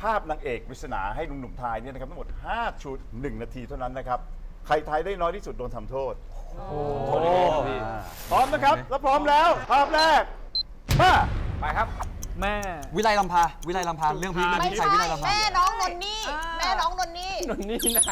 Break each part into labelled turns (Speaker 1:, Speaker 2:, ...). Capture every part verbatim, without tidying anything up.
Speaker 1: าพนางเอกปริศนาให้หนุ่มๆทายเนี่ยนะครับทั้งหมดห้าชุดหนึ่งนาทีเท่านั้นนะครับใครทายได้น้อยที่สุดโดนทำโทษโอ้พร้อมนะครับแล้วพร้อมแล้วภาพแรกมาไปครับ
Speaker 2: แม่
Speaker 3: วิไลลำพาวิไลลำพาเรื่องพี่
Speaker 4: ไม่
Speaker 3: ใช่
Speaker 4: ใช่
Speaker 3: วิไลลำพา
Speaker 4: แม่น้องนนนี่แม่น้องนนนี่
Speaker 2: นนนี่ไหน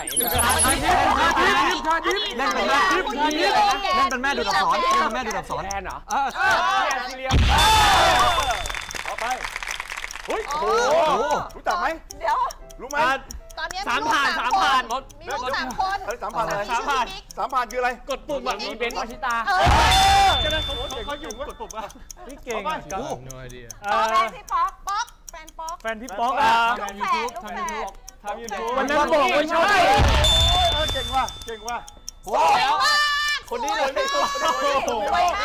Speaker 3: เล่นเป็นแม่เล่นเป็นแม่ดูดอักษรเล่นเป็นแม่ดูดอักษร
Speaker 2: แทนเหรอ
Speaker 3: เออ
Speaker 2: เรียม
Speaker 1: ต่อไปเฮ้ยโอ้โหรู้จักไหม
Speaker 4: เดี๋ยว
Speaker 1: รู้ไหม
Speaker 4: ตอนนี้
Speaker 2: สามผ่านสามผ่านรถ
Speaker 4: มีลูกสามคน
Speaker 1: เฮ้ยสามผ่านอะไร
Speaker 4: สามผ่าน
Speaker 1: สามผ่านคืออะไร
Speaker 2: กดปุ่มแบบมีเบนซ์วชิตา
Speaker 4: เออ
Speaker 2: ใช่ไหมเขาเขาอยู่กดปุ่มอ่ะพี่เก่ง
Speaker 3: โอ้
Speaker 4: ตอนแรกพี่ป๊อกป๊อกแฟนป๊อก
Speaker 2: แฟนพี่ป๊อกอ่ะ
Speaker 4: ลูกแฝดลูกแฝด
Speaker 2: ทำยูทูบวันนั้นบอกว่าใช่
Speaker 1: เก่งว่ะเก่งว่ะ
Speaker 3: โห
Speaker 2: คนนี้เลยไม่ตัว
Speaker 4: ไว้นะ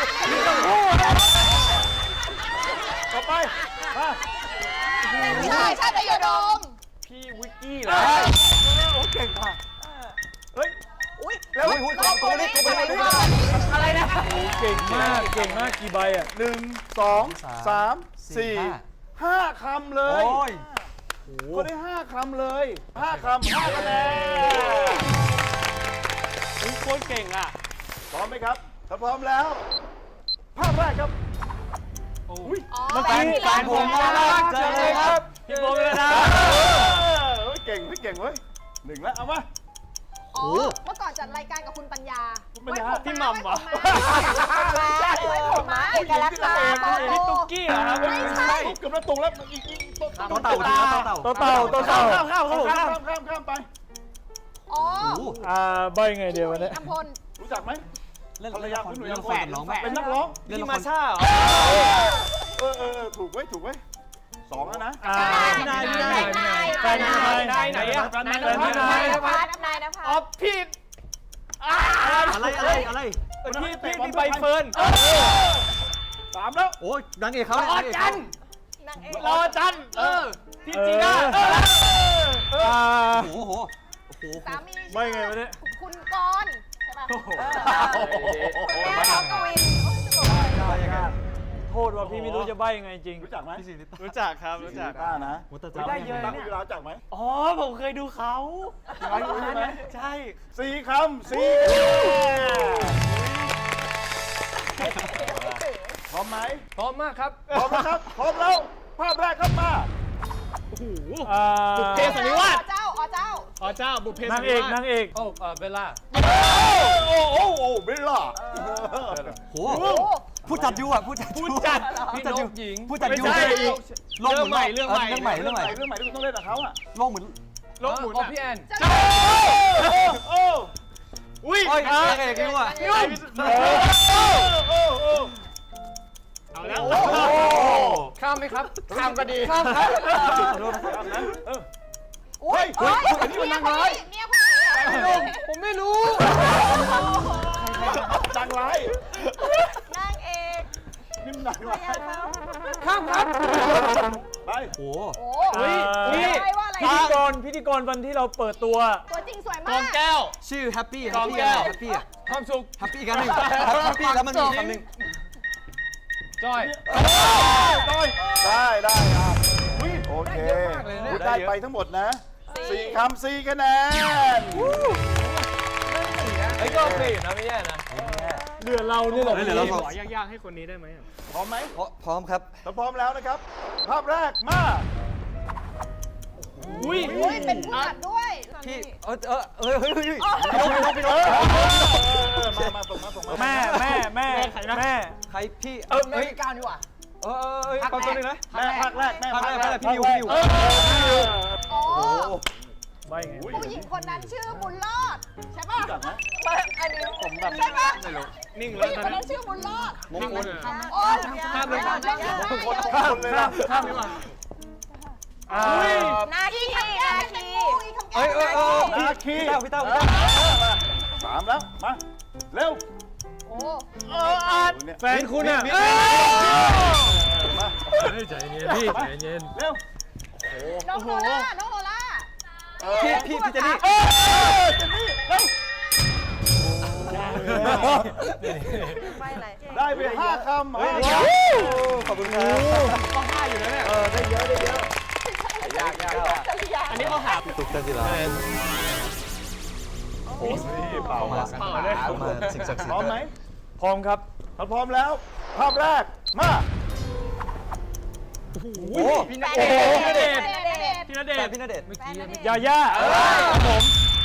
Speaker 1: ต่อไปมา
Speaker 4: ใช่ใช่แต่ยดม
Speaker 2: พี่วิกกี้เหรอ
Speaker 1: โอ้เก่งว่ะเฮ้ย
Speaker 4: อุ้ย
Speaker 1: แล้วตัวนี้ตัวนี้ตัวนี้
Speaker 2: อะไรนะเก่งมากเก่งมากกี่ใบอ่ะ
Speaker 1: หนึ่งสองสามสี่ห้าคำเลย
Speaker 3: โอ้ย
Speaker 1: เขาได้ห้าคำเลยห้าคำห้าคะแนน
Speaker 2: โคตรเก่งอ่ะ
Speaker 1: พร้อมไหมครับถ้าพร้อมแล้วภาพแรกครับ
Speaker 2: อุ้ย
Speaker 4: อ๋อ
Speaker 2: เมื่อ
Speaker 4: แฟ
Speaker 2: กี้
Speaker 4: นพี่
Speaker 2: แฟนผมน่ารักเจอเลยครับพี่โบเลยนะ
Speaker 1: เฮ้ยเก่งเฮ้ยเก่งเว้ยหนึ่งแล้วเอามา
Speaker 4: อ๋อเมื่อก่อนจัดรายการกับคุณปัญญา
Speaker 2: พี่หม่ำเหรอ
Speaker 4: ไว้ผมมาเอกลักษณ์ตาโต
Speaker 2: พี่ตุ๊กกี้เหรอครับ
Speaker 4: ไม่ใช่
Speaker 1: เกือบแล้วตรงแล้วอีกอีก
Speaker 3: ต่อเต่าทีละต่อเต่า
Speaker 2: โตเต่าโตเต่า
Speaker 1: ข้ามข้ามข้ามข้ามข้ามข้ามไป
Speaker 4: อ๋อ
Speaker 2: อ่าใบไงเดียววันนี้
Speaker 4: อัมพล
Speaker 1: รู้จักไหม
Speaker 3: เล่น
Speaker 1: ภรรยาคุณหนุ่ย
Speaker 3: เล่น
Speaker 1: ละ
Speaker 3: แฝ
Speaker 1: ค
Speaker 3: ด
Speaker 1: ร
Speaker 3: น้องแฝด
Speaker 1: เป็นนักร้อง
Speaker 3: เล่น
Speaker 2: พี่
Speaker 3: ละค
Speaker 2: มาร ชาเหรอ
Speaker 1: เออเออถูกไว้ถูกไว้สองแล้วนะ
Speaker 2: อ่าพี่นายพี่นายแฟนพี่นายนายไหนอ่ะแฟนพี่นาย
Speaker 4: นายนภัสนายนภัส
Speaker 2: อ๋อพี่
Speaker 3: อะไรอะไรอะไร
Speaker 2: พี่พี่พี่ใบเฟิร์น
Speaker 1: สามแล้ว
Speaker 3: โอ้ยนางเอกเขา
Speaker 2: รอจัน
Speaker 4: นางเอก
Speaker 2: รอจันเออพี่จีน่าอ่า
Speaker 3: โอ้โหโอ้โห
Speaker 4: สามี
Speaker 2: ไม่ไงวะเนี่ย
Speaker 4: คุณกรณ์ใช่ป่ะคุณแม่ของกวิน
Speaker 2: โทษว่าพี่ไม่รู้จะใบยังไงจริง
Speaker 1: รู้จักไหม
Speaker 2: รู้จักครับรู้จัก
Speaker 1: ต้านะ
Speaker 2: ได้เยอะเนี่ย
Speaker 1: รู้จักไหม
Speaker 2: อ๋อผมเคยดูเขา
Speaker 1: ใช่ไหม
Speaker 2: ใช่
Speaker 1: สี่คำสี่พร้อมไหม
Speaker 2: พร้อมมากครับ
Speaker 1: พร้อมแล้วครับพร้อมแล้วภาพแรกครับมา
Speaker 2: อ่าบุพเพสันนิวาส
Speaker 4: เจ้าอ๋อเจ้า
Speaker 2: อ๋อเจ้าบุพเพนางเอกนางเอกโอ้เออเบลล่า
Speaker 1: โอ้โอ้โอ้เบลล่า
Speaker 3: โหผู้จัดยูอ่ะผู้จัด
Speaker 2: ผู้จัด
Speaker 3: ผู้
Speaker 2: พี่
Speaker 3: จัด
Speaker 2: น
Speaker 3: ยู
Speaker 2: กหญิง
Speaker 3: ผู้จัดยู
Speaker 2: ไม่ใช่
Speaker 3: โลกหมุน
Speaker 2: เรื่องใหม่เรื่องใหม่
Speaker 3: เรื่องใหม่เรื่องใหม่
Speaker 1: เรื่องใหม่ที่คุณต้องเล่นกับเขาอ่ะ
Speaker 3: โลกหมุน
Speaker 2: โลกหมุนพี่แอน
Speaker 4: เจ้า
Speaker 1: โอ้
Speaker 2: อุ้ย
Speaker 3: โอ้ยนางเอกยูอ่ะ
Speaker 2: ยุ่ง
Speaker 1: โอ้โอ้
Speaker 2: เอาแล้ว
Speaker 1: โอ้
Speaker 2: ข้ามไหมครับข้ามก็ดีข้ามครับ
Speaker 4: อุ้ยเฮ้ยเมียผู้หญิงเมียผู้หญิง
Speaker 2: ผมไม่รู้
Speaker 1: ดังไร
Speaker 4: นางเอก
Speaker 1: นิ่มดังไร
Speaker 2: ข้ามครับ
Speaker 1: ไป
Speaker 3: โอ้
Speaker 4: โอ้
Speaker 2: เฮ้ยนี่
Speaker 4: ว่าอะไร
Speaker 2: พิธีกรพิธีกรวันที่เราเปิดตัว
Speaker 4: ตัวจริงสวย
Speaker 2: ก
Speaker 4: มา
Speaker 2: อง
Speaker 4: ก
Speaker 2: แก้ว
Speaker 3: ชื่อแฮปปี้
Speaker 2: กองแก้ว
Speaker 3: แฮปปี้อ่ะ
Speaker 2: ความสุข
Speaker 3: แฮปปี้กันหนึ่งแฮปปี้แล้วมันมีคำหนึ่ง
Speaker 2: จ้อย
Speaker 1: ได้ได้ครับโอเคได้ไปทั้งหมดนะสี่คำสี่คะแนน
Speaker 2: ไอ้ก็โอเคอยู่นะไม่แย่นะเหลือเรานี่แหละ
Speaker 3: เหลือเราสอง
Speaker 2: ขอยากๆให้คนนี้ได้ไหม
Speaker 1: พร้อมไหม
Speaker 3: พร้อมครับ
Speaker 1: ถ้าพร้อมแล้วนะครับ ภาพแรกมา
Speaker 2: อุ้ย
Speaker 4: อุ้ยเป็นผู้จัดด้วย
Speaker 3: พี่เออเออเออเฮ้ยเฮ้ย
Speaker 1: พี่นกพี่นกพี่นกมามาส่งมาส่งมา
Speaker 2: แม่แม่แม่แม่
Speaker 3: ใครพี่
Speaker 2: เออแม่ก้าวนี่หว่า
Speaker 3: เออเออเออแป๊บนึงนะ
Speaker 1: แม่ภาคแรกแม่
Speaker 3: ภาคแรกภาคแรกพี่นิวพี่นิว
Speaker 4: อ๋อ
Speaker 2: ใบไง
Speaker 4: ผู้หญิงคนนั้นชื่อบุญรอดใช่ป่ะ
Speaker 1: รู้จักไหม
Speaker 4: อันนี้ผมแบบใช่ป่ะ
Speaker 2: นิ่ง
Speaker 4: ผู้
Speaker 2: แล้
Speaker 4: ห
Speaker 2: ว
Speaker 4: ญิง
Speaker 2: ตอ
Speaker 4: คน น
Speaker 2: นี้
Speaker 4: นั้นชื่อบุญรอด
Speaker 3: มงคล
Speaker 4: โอ้ย
Speaker 2: ข้ามเลย
Speaker 4: ข้ามเลย
Speaker 1: คนคนเลยนะ
Speaker 2: ข้ามดีกว่า
Speaker 4: หน้าที่หน้าที่
Speaker 3: เอ้ยเออเออ
Speaker 1: นาคี
Speaker 3: พี่เต้าพี่เต้าพี่เต้า
Speaker 1: สามแล้วมาเร็ว
Speaker 4: โอ้
Speaker 1: เอออาด
Speaker 2: แฟนคุณอ่ะ
Speaker 1: มา
Speaker 2: ใจเย็นพี่ใจเย็น
Speaker 1: เร็ว
Speaker 4: น้องโนล่าน้องโนล่า
Speaker 3: พี่พี่พี่เจนี่
Speaker 1: เออเจนนี่เร็ว
Speaker 4: ไม่อะไร
Speaker 1: ได้ไปห้าคำ
Speaker 3: ขอบคุณครับ
Speaker 2: ก็ห้าอยู่แล้วเนี่ย
Speaker 1: เออได้เยอะได้เยอะ
Speaker 2: ยากยากยาก
Speaker 4: จริยา
Speaker 2: อันนี้เขาหา
Speaker 3: ตุกเตจิรา
Speaker 1: โอ้นี่เปล่า
Speaker 3: มา
Speaker 1: มา
Speaker 2: เปล่าเลย
Speaker 3: มาสิ่งศักดิ์สิท
Speaker 1: พร้อม
Speaker 3: ธิ์
Speaker 1: ไหมพร้อมครับถ้าพร้อมแล้ว ภาพแรกมา
Speaker 3: โอ้
Speaker 2: พี่
Speaker 4: แฟ
Speaker 2: ณ
Speaker 4: น
Speaker 2: เด
Speaker 4: เด
Speaker 2: ช
Speaker 4: ช
Speaker 2: น์
Speaker 4: น์แฟนเดชน์
Speaker 2: พี่ณเด
Speaker 3: แฟ
Speaker 2: ช
Speaker 3: น
Speaker 2: น์
Speaker 3: พี่ณเดชน์
Speaker 2: เมื่อกี้เมื่อกี้
Speaker 1: ยาย่าครับผม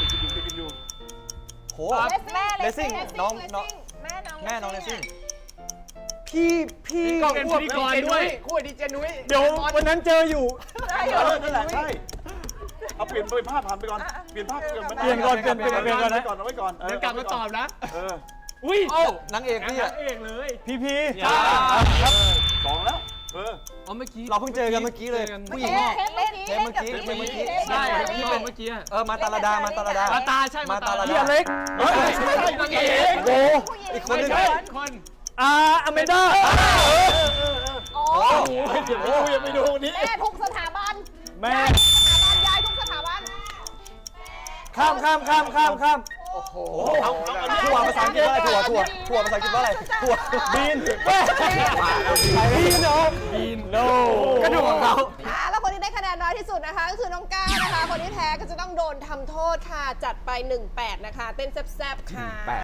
Speaker 3: โห
Speaker 4: แม่
Speaker 3: เลสซิ่งน้องน้อง
Speaker 4: แม่น้อง
Speaker 3: แม่น้องเลสซิ่งพี่พี่
Speaker 2: ก็เป็นพิธีกรด้วยคู่ดีเจนุ้ย
Speaker 5: เดี๋ยววันนั้นเจออยู่
Speaker 4: ได้
Speaker 1: เอ
Speaker 4: อยู่
Speaker 1: อนั่นแหละใช่เอาเปลี่ยนไปภาพผ่านไปก่อนเปลี่ยนภาพเปลี่ยน
Speaker 5: เปลี่ยนก่อนเปลี่ยนเปลี่ยนเปลี่ยนก่อนนะ
Speaker 1: ก่อนเอาไว้ก่อน
Speaker 2: เดี๋ยวกลับมาตอบนะ
Speaker 1: เออ
Speaker 2: อุ้ย
Speaker 3: โอ้นางเอก
Speaker 2: นาง
Speaker 3: พี่อะ
Speaker 2: เอกเลย
Speaker 5: พีพี
Speaker 2: อย่า
Speaker 1: ครับสองแล้วเออ
Speaker 2: อ๋อเมื่อกี้
Speaker 3: เราเพิ่งเจอกันเมื่อกี้เลยผู้หญิง
Speaker 4: เทปเมื่อกี้
Speaker 3: เทปเมื่อกี้
Speaker 2: ใช่ที่เป็นเมื่อกี้
Speaker 3: เออมาตาลาดามาตาลาดา
Speaker 2: มาตาใช่
Speaker 3: มาตาลา
Speaker 5: พี่
Speaker 3: ดา
Speaker 5: อเล็ก
Speaker 1: เฮ้ยไม่ใช่นางเอก
Speaker 5: โอ้
Speaker 3: อีกคนหนึง
Speaker 2: ใช่คน
Speaker 5: อาอเมด้า
Speaker 4: โอ้
Speaker 1: โอ้โหอย่าไปดูอย่าไปดูนี่
Speaker 4: แม่ทุกสถาบัน
Speaker 5: แม่
Speaker 4: สถาบันยายทุกสถาบัน
Speaker 5: ข้ามข้ามข้ามข้ามข้าม
Speaker 3: โอ้โหถั่วภาษาอังกฤษว่าอะไรถั่วถั่วถั่วภาษาอังกฤษว่าอะไรถั่ว
Speaker 5: บีนแม่บีนเหรอบีนโน
Speaker 3: กระดูกของเขา
Speaker 4: อ่าแล้วคนที่ได้คะแนนน้อยที่สุดนะคะ ก็คือน้องก้าวนะคะ คนที่แพ้ก็จะต้องโดนทำโทษค่ะ จัดไปหนึ่งแปดนะคะ เต้นแซ่บๆค่ะ